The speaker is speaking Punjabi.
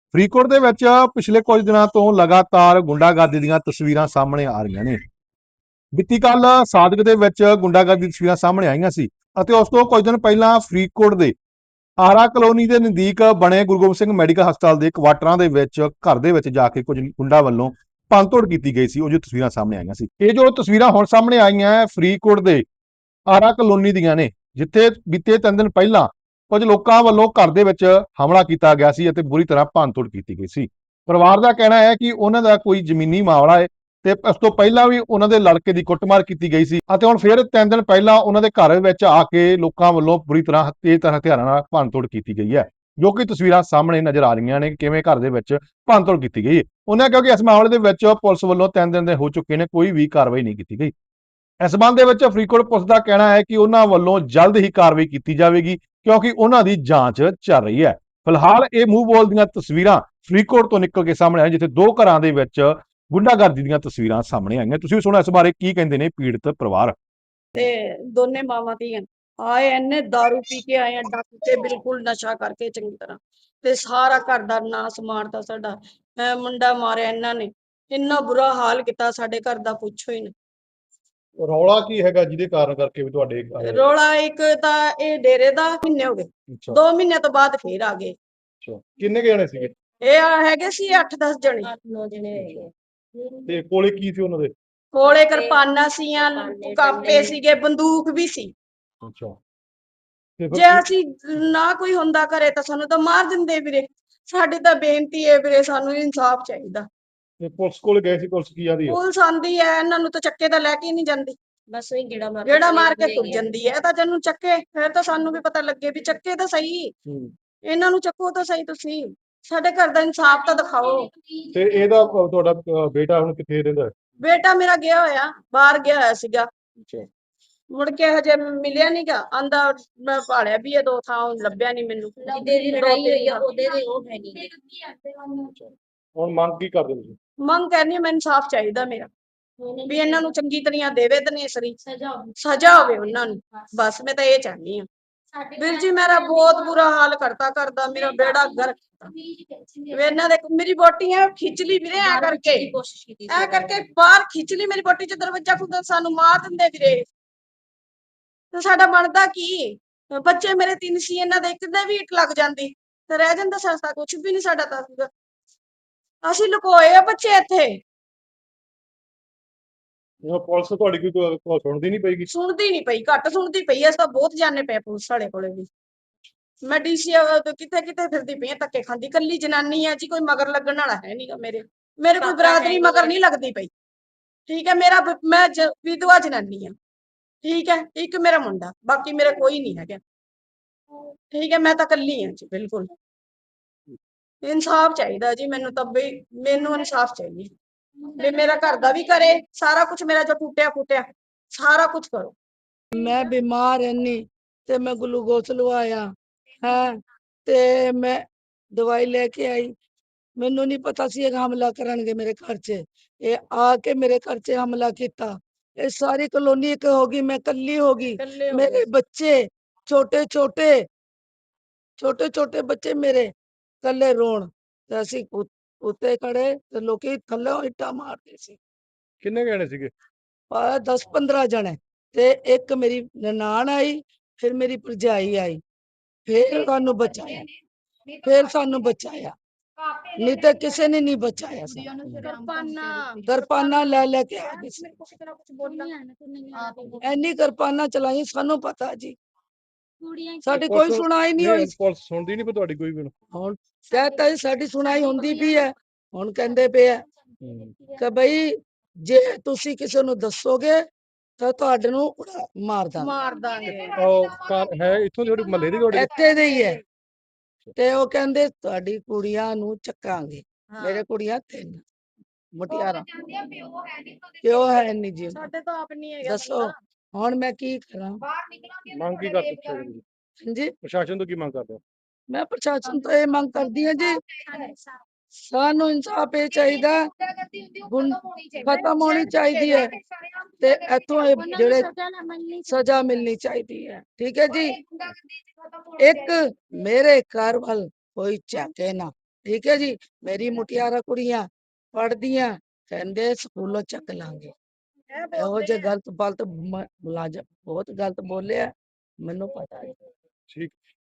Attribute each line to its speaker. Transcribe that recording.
Speaker 1: ਫਰੀਦਕੋਟ ਦੇ ਵਿੱਚ ਪਿਛਲੇ ਕੁਝ ਦਿਨਾਂ ਤੋਂ ਲਗਾਤਾਰ ਗੁੰਡਾਗਰਦੀ ਦੀਆਂ ਤਸਵੀਰਾਂ ਸਾਹਮਣੇ ਆ ਰਹੀਆਂ ਨੇ। ਬੀਤੀ ਕੱਲ ਸਾਦਿਕ ਦੇ ਵਿੱਚ ਗੁੰਡਾਗਰਦੀ ਦੀਆਂ ਤਸਵੀਰਾਂ ਸਾਹਮਣੇ ਆਈਆਂ ਸੀ ਅਤੇ ਉਸ ਤੋਂ ਕੁਝ ਦਿਨ ਪਹਿਲਾਂ ਫਰੀਦਕੋਟ ਦੇ ਆਰਾ ਕਲੋਨੀ ਦੇ ਨਜ਼ਦੀਕ ਬਣੇ ਗੁਰੂ ਗੋਬਿੰਦ ਸਿੰਘ ਮੈਡੀਕਲ ਹਸਪਤਾਲ ਦੇ ਕੁਆਟਰਾਂ ਦੇ ਵਿੱਚ ਘਰ ਦੇ ਵਿੱਚ ਜਾ ਕੇ ਕੁਝ ਗੁੰਡਾ ਵੱਲੋਂ ਭੰਨਤੋੜ ਕੀਤੀ ਗਈ ਸੀ। ਉਹ ਜੋ ਤਸਵੀਰਾਂ ਸਾਹਮਣੇ ਆਈਆਂ ਸੀ, ਇਹ ਜੋ ਤਸਵੀਰਾਂ ਹੁਣ ਸਾਹਮਣੇ ਆਈਆਂ ਹੈ ਫਰੀਦਕੋਟ ਦੇ ਆਰਾ ਕਲੋਨੀ ਦੀਆਂ ਨੇ, ਜਿੱਥੇ ਬੀਤੇ 3 ਦਿਨ ਪਹਿਲਾਂ ਕੁਝ ਲੋਕਾਂ ਵੱਲੋਂ ਘਰ ਦੇ ਵਿੱਚ ਹਮਲਾ ਕੀਤਾ ਗਿਆ ਸੀ ਅਤੇ ਬੁਰੀ ਤਰ੍ਹਾਂ ਭੰਨਤੋੜ ਕੀਤੀ ਗਈ ਸੀ। ਪਰਿਵਾਰ ਦਾ ਕਹਿਣਾ ਹੈ ਕਿ ਉਹਨਾਂ ਦਾ ਕੋਈ ਜ਼ਮੀਨੀ ਮਾਮਲਾ ਹੈ ਤੇ ਇਸ ਤੋਂ ਪਹਿਲਾਂ ਵੀ ਉਹਨਾਂ ਦੇ ਲੜਕੇ ਦੀ ਕੁੱਟਮਾਰ ਕੀਤੀ ਗਈ ਸੀ ਅਤੇ ਹੁਣ ਫਿਰ 3 ਦਿਨ ਪਹਿਲਾਂ ਉਹਨਾਂ ਦੇ ਘਰ ਵਿੱਚ ਆ ਕੇ ਲੋਕਾਂ ਵੱਲੋਂ ਬੁਰੀ ਤਰ੍ਹਾਂ ਤੇਜ਼ ਹਥਿਆਰਾਂ ਨਾਲ ਭੰਨਤੋੜ ਕੀਤੀ ਗਈ ਹੈ, ਜੋ ਕਿ ਤਸਵੀਰਾਂ ਸਾਹਮਣੇ ਨਜ਼ਰ ਆ ਰਹੀਆਂ ਨੇ ਕਿਵੇਂ ਘਰ ਦੇ ਵਿੱਚ ਭੰਨਤੋੜ ਕੀਤੀ ਗਈ ਹੈ। ਉਹਨਾਂ ਕਿਉਂਕਿ ਇਸ ਮਾਮਲੇ ਦੇ ਵਿੱਚ ਪੁਲਿਸ ਵੱਲੋਂ 3 ਦਿਨ ਦੇ ਹੋ ਚੁੱਕੇ ਨੇ, ਕੋਈ ਵੀ ਕਾਰਵਾਈ ਨਹੀਂ ਕੀਤੀ ਗਈ। ਇਸ ਸੰਬੰਧ ਦੇ ਵਿੱਚ ਫਰੀਦਕੋਟ ਪੁਲਿਸ ਦਾ ਕਹਿਣਾ ਹੈ ਕਿ ਉਹਨਾਂ ਵੱਲੋਂ ਜਲਦ ਹੀ ਕਾਰਵਾਈ ਕੀਤੀ ਜਾਵੇਗੀ ਕਿਉਂਕਿ ਉਹਨਾਂ ਦੀ ਜਾਂਚ ਚੱਲ ਰਹੀ ਹੈ। ਫਿਲਹਾਲ ਇਹ ਮੂੰਹ ਬੋਲ ਦੀਆਂ ਤਸਵੀਰਾਂ ਫਰੀਦਕੋਟ ਤੋਂ ਨਿਕਲ ਕੇ ਸਾਹਮਣੇ ਆਈਆਂ, ਜਿੱਥੇ 2 ਘਰਾਂ ਦੇ ਵਿੱਚ ਗੁੰਡਾਗਰਦੀ ਦੀਆਂ ਤਸਵੀਰਾਂ ਸਾਹਮਣੇ ਆਈਆਂ। ਤੁਸੀਂ ਵੀ ਸੁਣੋ ਇਸ ਬਾਰੇ ਕੀ ਕਹਿੰਦੇ ਨੇ ਪੀੜਤ ਪਰਿਵਾਰ।
Speaker 2: ਤੇ ਦੋਨੇ ਮਾਵਾਂ ਧੀਆਂ ਆਏ ਇੰਨੇ दारू ਪੀ ਕੇ ਆਏ ਆ, ਡੱਕ ਕੇ ਬਿਲਕੁਲ ਨਸ਼ਾ ਕਰਕੇ ਚੰਗੀ ਤਰ੍ਹਾਂ, ਤੇ ਸਾਰਾ ਘਰ ਦਾ ਨਾਸ ਮਾਰਤਾ ਸਾਡਾ। ਮੁੰਡਾ ਮਾਰਿਆ ਇਹਨਾਂ ਨੇ, ਇੰਨਾ ਬੁਰਾ ਹਾਲ ਕੀਤਾ ਸਾਡੇ ਘਰ ਦਾ, ਪੁੱਛੋ ਹੀ ਨਾ।
Speaker 1: ਰੌਲਾ ਕੀ ਹੈਗਾ ਜਿਹਦੇ ਕਾਰਨ ਕਰਕੇ ਵੀ ਤੁਹਾਡੇ
Speaker 2: ਰੌਲਾ ਇੱਕ ਤਾਂ ਇਹ ਡੇਰੇ ਦਾ ਮਹੀਨੇ ਹੋ ਗਏ, 2 ਮਹੀਨੇ ਤੋਂ ਬਾਅਦ ਫੇਰ ਆ ਗਏ।
Speaker 1: ਕਿੰਨੇ ਜਣੇ ਸੀਗੇ?
Speaker 2: ਇਹ ਹੈਗੇ ਸੀ 8-10 ਜਣੇ।
Speaker 3: 8-9 ਜਣੇ ਹੈਗੇ।
Speaker 1: ਤੇ ਕੋਲੇ ਕੀ ਸੀ ਉਹਨਾਂ ਦੇ?
Speaker 2: ਕੋਲੇ ਕਿਰਪਾਨਾਂ ਸੀਆਂ, ਕਾਪੇ ਸੀਗੇ, ਬੰਦੂਕ ਵੀ ਸੀ।
Speaker 1: ਅੱਛਾ,
Speaker 2: ਜੇ ਅਸੀਂ ਨਾ ਕੋਈ ਹੁੰਦਾ ਘਰੇ ਤਾਂ ਸਾਨੂੰ ਤਾਂ ਮਾਰ ਦਿੰਦੇ ਵੀਰੇ। ਸਾਡੀ ਤਾਂ ਬੇਨਤੀ ਹੈ ਵੀਰੇ, ਸਾਨੂੰ ਇਨਸਾਫ ਚਾਹੀਦਾ।
Speaker 1: ਤੇ ਪੁਲਿਸ ਕੋਲ ਗਏ ਸੀ, ਪੁਲਿਸ ਕੀ ਆਂਦੀ ਹੈ?
Speaker 2: ਪੁਲਿਸ ਆਂਦੀ ਹੈ, ਇਹਨਾਂ ਨੂੰ ਤਾਂ ਚੱਕੇ ਤਾਂ ਲੈ ਕੇ ਨਹੀਂ ਜਾਂਦੀ,
Speaker 3: ਬਸ ਉਹੀ ਗੇੜਾ
Speaker 2: ਮਾਰ ਕੇ ਤੁਰ ਜਾਂਦੀ ਹੈ। ਤਾਂ ਜਿਹਨੂੰ ਚੱਕੇ ਫਿਰ ਤਾਂ ਸਾਨੂੰ ਵੀ ਪਤਾ ਲੱਗੇ ਵੀ ਚੱਕੇ ਤਾਂ ਸਹੀ, ਇਹਨਾਂ ਨੂੰ ਚੱਕੋ ਤਾਂ ਸਹੀ। ਤੁਸੀਂ ਸਾਡੇ ਘਰ ਦਾ ਇਨਸਾਫ ਤਾਂ ਦਿਖਾਓ।
Speaker 1: ਤੇ ਇਹਦਾ ਤੁਹਾਡਾ ਬੇਟਾ ਹੁਣ ਕਿੱਥੇ ਰਹਿੰਦਾ ਹੈ?
Speaker 2: ਬੇਟਾ ਮੇਰਾ ਗਿਆ ਹੋਇਆ, ਬਾਹਰ ਗਿਆ ਹੋਇਆ ਸੀਗਾ, ਮੁੜ ਕੇ ਹਜੇ ਮਿਲਿਆ ਨੀਗਾ। ਆਂਦਾ ਮੈਂ ਭਾਲਿਆ ਵੀ ਇਹ 2 ਥਾਂ, ਲੱਭਿਆ ਨਹੀਂ ਮੈਨੂੰ।
Speaker 3: ਜਿਹਦੇ ਦੀ ਲੜਾਈ ਹੋਈ ਆ ਉਹਦੇ ਦੇ ਉਹ ਹੈ ਨਹੀਂ।
Speaker 1: ਹੁਣ ਮੰਗ ਕੀ ਕਰਦੇ ਤੁਸੀਂ?
Speaker 2: ਮੰਗ ਕਰਨੀ ਮੈਂ ਇਨਸਾਫ ਚਾਹੀਦਾ ਮੇਰਾ, ਵੀ ਇਹਨਾਂ ਨੂੰ ਚੰਗੀ ਤਰ੍ਹਾਂ ਦੇਵੇ ਦਨੇਸਰੀ ਸਜ਼ਾ ਹੋਵੇ ਉਹਨਾਂ ਨੂੰ। ਬਸ ਮੈਂ ਤਾਂ ਇਹ ਚਾਹਨੀ ਆ ਵੀਰ ਜੀ। ਮੇਰਾ ਬਹੁਤ ਬੁਰਾ ਹਾਲ ਕਰਤਾ ਕਰਦਾ, ਮੇਰਾ ਬੇੜਾ ਗਰਕ। ਇਹਨਾਂ ਦੇ ਮੇਰੀ ਬੋਟੀ ਹੈ ਖਿੱਚ ਲਈ ਵੀਰੇ, ਐ ਕਰਕੇ ਬਾਹਰ ਖਿੱਚ ਲਈ ਮੇਰੀ ਬੋਟੀ, ਚ ਦਰਵਾਜ਼ਾ ਖੁੱਲਦਾ ਸਾਨੂੰ ਮਾਰ ਦਿੰਦੇ ਵੀਰੇ। ਤੇ ਸਾਡਾ ਬਣਦਾ ਕੀ? ਬੱਚੇ ਮੇਰੇ 3 ਸੀ, ਇਹਨਾਂ ਦੇ ਇੱਕ ਦੇ ਵੀ ਇੱਟ ਲੱਗ ਜਾਂਦੀ ਤੇ ਰਹਿ ਜਾਂਦਾ ਸਸਤਾ, ਕੁਛ ਵੀ ਨਹੀਂ ਸਾਡਾ ਤਾਂ। ਅਸੀਂ ਲੁਕੋਏ ਆ ਬੱਚੇ ਇੱਥੇ।
Speaker 1: ਪੁਲਿਸ ਤੁਹਾਡੀ ਕੋਈ ਸੁਣਦੀ ਨਹੀਂ ਪਈਗੀ?
Speaker 2: ਸੁਣਦੀ ਨਹੀਂ ਪਈ, ਘੱਟ ਸੁਣਦੀ ਪਈ। ਅਸੀਂ ਤਾਂ ਬਹੁਤ ਜਾਣੇ ਪਏ ਪੁਲਿਸ ਵਾਲੇ ਕੋਲੇ ਵੀ। ਮੈਂ ਡੀਸੀ ਕਿਤੇ ਕਿਤੇ ਫਿਰਦੀ ਪਈ, ਧੱਕੇ ਖਾਂਦੀ। ਕੱਲੀ ਜਨਾਨੀ ਆ ਜੀ, ਕੋਈ ਮਗਰ ਲੱਗਣ ਵਾਲਾ ਹੈ ਨਹੀਂਗਾ। ਮੇਰੇ ਕੋਈ ਬਰਾਦਰੀ ਮਗਰ ਨਹੀਂ ਲੱਗਦੀ ਪਈ, ਠੀਕ ਹੈ। ਮੈਂ ਵਿਧਵਾ ਜਨਾਨੀ ਆ, ਠੀਕ ਹੈ। ਇੱਕ ਮੇਰਾ ਮੁੰਡਾ, ਬਾਕੀ ਮੇਰਾ ਕੋਈ ਨਹੀਂ ਹੈਗਾ, ਠੀਕ ਹੈ। ਮੈਂ ਤਾਂ ਕੱਲੀ ਆ ਜੀ, ਬਿਲਕੁਲ। ਇਨਸਾਫ ਚਾਹੀਦਾ ਜੀ ਮੈਨੂੰ ਤਾਂ, ਬਈ ਮੈਨੂੰ ਇਨਸਾਫ ਚਾਹੀਦਾ ਵੀ ਮੇਰਾ ਘਰ ਦਾ ਵੀ ਕਰੇ, ਸਾਰਾ ਕੁਝ ਮੇਰਾ ਜੋ ਟੁੱਟਿਆ ਫੁੱਟਿਆ ਸਾਰਾ ਕੁਝ ਕਰੋ। ਮੈਂ ਬਿਮਾਰ ਰਹਿਨੀ ਤੇ ਮੈਂ ਗਲੂਕੋਸ ਲਵਾਇਆ ਹੈ, ਤੇ ਮੈਂ ਦਵਾਈ ਲੈ ਕੇ ਆਈ। ਮੈਨੂੰ ਨਹੀਂ ਪਤਾ ਸੀ ਇਹ ਹਮਲਾ ਕਰਨਗੇ ਮੇਰੇ ਘਰ 'ਚ। ਇਹ ਆ ਕੇ ਮੇਰੇ ਘਰ 'ਚ ਹਮਲਾ ਕੀਤਾ। ਇਹ ਸਾਰੀ ਕਲੋਨੀ ਇੱਕ ਹੋ ਗਈ, ਮੈਂ ਕੱਲੀ ਹੋ ਗਈ। ਮੇਰੇ ਬੱਚੇ ਛੋਟੇ ਛੋਟੇ ਬੱਚੇ ਮੇਰੇ ਕੱਲੇ ਰੋਣ, ਤੇ ਅਸੀਂ ਉੱਤੇ ਖੜੇ ਤੇ ਲੋਕੀ ਥੱਲੇ ਇੱਟਾਂ ਮਾਰਦੇ ਸੀ।
Speaker 1: ਕਿੰਨੇ ਜਣੇ ਸੀਗੇ?
Speaker 2: 10-15 ਜਣੇ। ਤੇ ਇੱਕ ਮੇਰੀ ਨਨਾਣ ਆਈ, ਫਿਰ ਮੇਰੀ ਭਰਜਾਈ ਆਈ, ਫਿਰ ਸਾਨੂੰ ਬਚਾਇਆ, ਨਹੀਂ ਤਾਂ ਕਿਸੇ ਨੇ ਨਹੀਂ ਬਚਾਇਆ। ਕਿਰਪਾਨਾਂ ਲੈ ਕੇ ਆ ਗਏ ਸੀ, ਐਨੀ ਕਿਰਪਾਨਾਂ ਚਲਾਈ, ਸਾਨੂੰ ਪਤਾ ਜੀ। ਸਾਡੀ ਕੋਈ ਸੁਣਾਈ ਨਹੀਂ ਹੋਈ।
Speaker 1: ਪੁਲਿਸ ਸੁਣਦੀ ਨਹੀਂ ਪਈ ਤੁਹਾਡੀ ਕੋਈ ਵੀ?
Speaker 2: ਹੁਣ ਕਹਤਾ ਸਾਡੀ ਸੁਣਾਈ ਹੁੰਦੀ ਪਈ ਹੈ। ਹੁਣ ਕਹਿੰਦੇ ਪਏ ਆ ਕਿ ਬਈ ਜੇ ਤੁਸੀਂ ਕਿਸੇ ਨੂੰ ਦੱਸੋਗੇ ਤਾਂ ਤੁਹਾਡੇ ਨੂੰ ਮਾਰ ਦਾਂਗੇ।
Speaker 1: ਉਹ ਹੈ ਇੱਥੋਂ ਦੇ ਮਹੱਲੇ ਦੀ ਤੁਹਾਡੇ?
Speaker 2: ਇੱਥੇ ਦੇ ਹੀ ਹੈ। ਤੇ ਉਹ ਕਹਿੰਦੇ ਤੁਹਾਡੀ ਕੁੜੀਆਂ ਨੂੰ ਚੱਕਾਂਗੇ। ਮੇਰੇ ਕੁੜੀਆਂ 3 ਮੁਟਿਆਰਾਂ, ਪਿਓ ਹੈ ਨਹੀਂ ਜੀ, ਸਾਡੇ ਤਾਂ ਆਪ ਨਹੀਂ ਹੈਗਾ। ਦੱਸੋ ਹੁਣ ਮੈਂ ਕੀ ਕਰਾਂ?
Speaker 1: ਮੰਗ ਕੀ ਕਰਦੇ ਤੁਸੀਂ?
Speaker 2: ਜੀ
Speaker 1: ਪ੍ਰਸ਼ਾਸਨ ਤੋਂ ਕੀ ਮੰਗ ਕਰਦੇ ਹੋ?
Speaker 2: ਮੈਂ ਪ੍ਰਸ਼ਾਸਨ ਤੋਂ ਇਹ ਮੰਗ ਕਰਦੀ ਹਾਂ ਜੀ, ਸਾਨੂੰ ਇਨਸਾਫ ਇਹ ਚਾਹੀਦਾ, ਖਤਮ ਹੋਣੀ ਚਾਹੀਦੀ ਹੈ, ਤੇ ਇੱਥੋਂ ਜਿਹੜੇ ਸਜ਼ਾ ਮਿਲਣੀ ਚਾਹੀਦੀ ਹੈ, ਠੀਕ ਹੈ ਜੀ। ਇੱਕ ਮੇਰੇ ਘਰ ਵੱਲ ਕੋਈ ਝਾਕੇ ਨਾ,
Speaker 4: ਠੀਕ ਹੈ ਜੀ। ਮੇਰੀ ਮੁਟਿਆਰਾਂ ਕੁੜੀਆਂ ਪੜ੍ਹਦੀਆਂ, ਕਹਿੰਦੇ ਸਕੂਲੋਂ ਚੱਕ ਲਾਂਗੇ। ਇਹੋ ਜਿਹੇ ਗਲਤ ਮੁਲਾਜ਼ਮ ਬਹੁਤ ਗਲਤ ਬੋਲਿਆ, ਮੈਨੂੰ ਪਤਾ ਹੈ।
Speaker 1: ਠੀਕ